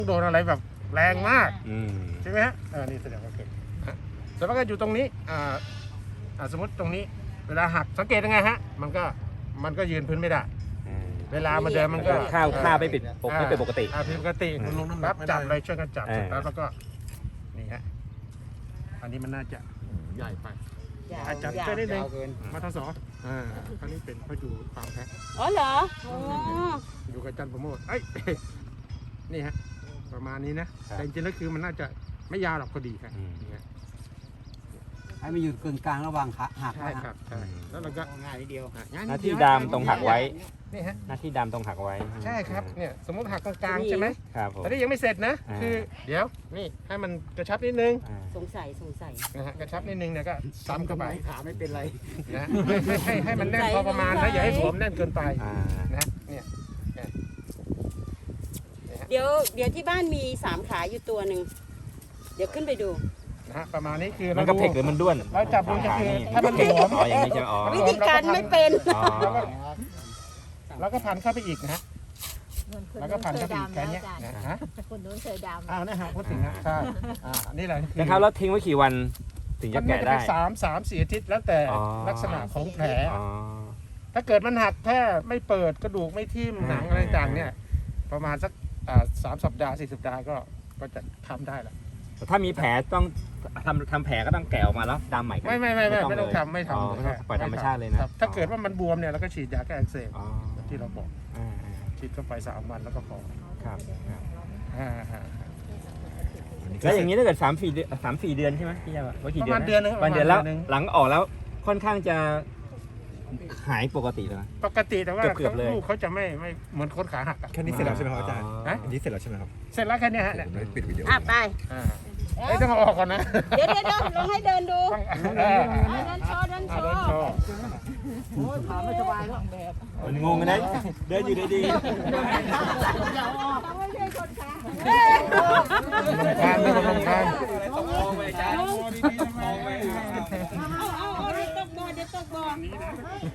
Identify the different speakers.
Speaker 1: โดนอะไรแบบแรงมากใช่ไหมฮะนี่แสดงว่าเกิดแต่ว่าก็อยู่ตรงนี้สมมติตรงนี้เวลาหักสังเกตยังไงฮะมันก็ยืนพื้นไม่ได้เวลามันเดินมันก็
Speaker 2: ค่าไม่เป็นปกติ
Speaker 1: ผิดปกติรับจับเลยช่วยกันจับแล้วก็นี่ฮะอันนี้มันน่าจะใหญ่ไปอาจจะช่วยได้เลยมาทศอันนี้เป็นเขาอยู่ฟาร์มแพะ
Speaker 3: อ๋อเหรอ
Speaker 1: อยู่กับจันประโมทนี่ฮะประมาณนี้นะแต่จริงๆแล้วคือมันน่าจะไม่ยาวหรอกพอดีครับ
Speaker 4: ให้มันอยู่กึ่งกลางระหว่างหัก
Speaker 1: ใช่ครับใช่แล้วเราก็
Speaker 4: ง่ายนิดเดียว
Speaker 2: หน้าที่ดามตรงหักไว้
Speaker 1: นี่ฮะ
Speaker 2: หน้าที่ดามตรงหักไว้
Speaker 1: ใช่ครับเนี่ยสมมติหักตรงกลางใช่ไหม
Speaker 2: ครับผม
Speaker 1: แต่นี่ยังไม่เสร็จนะคือเดี๋ยวนี่ให้มันกระชับนิดนึง
Speaker 3: สงสัย
Speaker 1: นะฮะกระชับนิดนึงเนี่ยก็ซ้ำเข้าไป
Speaker 4: ขาไม่เป็นไร
Speaker 1: นะให้มันแน่นพอประมาณนะอย่าให้สวมแน่นเกินไปนะเนี่ย
Speaker 3: เดี๋ยวที่บ้านมี3ขาอยู่ตัวหนึ่งเดี๋ยวขึ้นไปดู
Speaker 1: นะฮะประมาณนี้คือ
Speaker 2: มันกระเพกหรือมันด้วน
Speaker 1: เราจับดูจะคือถ้ามันหลวม
Speaker 2: อย่างนี้จะ
Speaker 3: วิธีการไม่เป็น
Speaker 1: แล้วก็พันเข้าไปอีกนะฮะแล้วก็พันเข้าไปอีกแค่นี้นะฮะ
Speaker 5: คนนู้นเคยดำ
Speaker 1: นะฮะพูดถึงนะใช่นี่แหละ
Speaker 2: นะครับแล้วทิ้งไว้กี่วันถึงจะแกะได้
Speaker 1: 3-4 อาทิตย์แล้วแต่ลักษณะของแผลถ้าเกิดมันหักแค่ไม่เปิดกระดูกไม่ทิ่มหนังอะไรต่างเนี่ยประมาณสัก3 สัปดาห์4 สัปดาห์ก็จะทำได้แล้ว
Speaker 2: ถ้ามีแผลต้องทำแผลก็ต้องแกะออกมาแล้วดามใหม่
Speaker 1: ไม่ต้องทำไม่ท
Speaker 2: ำปล่อยธรรมชาติเลยนะ
Speaker 1: ถ้าเกิดว่ามันบวมเนี่ยเราก็ฉีดยาแก้อักเสบที่เราบอกฉีดเข้าไป3 วันแล้วก็พอ
Speaker 2: ครับแล้วอย่างนี้ถ้าเกิด3-4 เดือนใช่ไหมพี่ยาว่ากี่เดือน
Speaker 1: ประมาณเดือนนึง
Speaker 2: แล้วหลังออกแล้วค่อนข้างจะหายปกติแล้ว
Speaker 1: ปกติแต่ว่าลูกเขาจะไม่เหมือนคนขาหัก
Speaker 6: แค่นี้เสร็จแล้วใช่ไหมครับอาจารย์อันนี้เสร็จแล้วใช่ไหมครับ
Speaker 1: เสร็จแล้วแค่นี้ฮะเนี่ย
Speaker 6: ปิดวิดีโอ
Speaker 3: ไป
Speaker 1: ต้องเอาออกก่อนนะ
Speaker 3: เดี๋ยวลองให้เดินดูเดินโชว์
Speaker 4: โอ้ยขาไม่สบายแล้ว
Speaker 2: มันงงกันนะเดินอยู่ดี
Speaker 1: ทานไม่ต้องทาน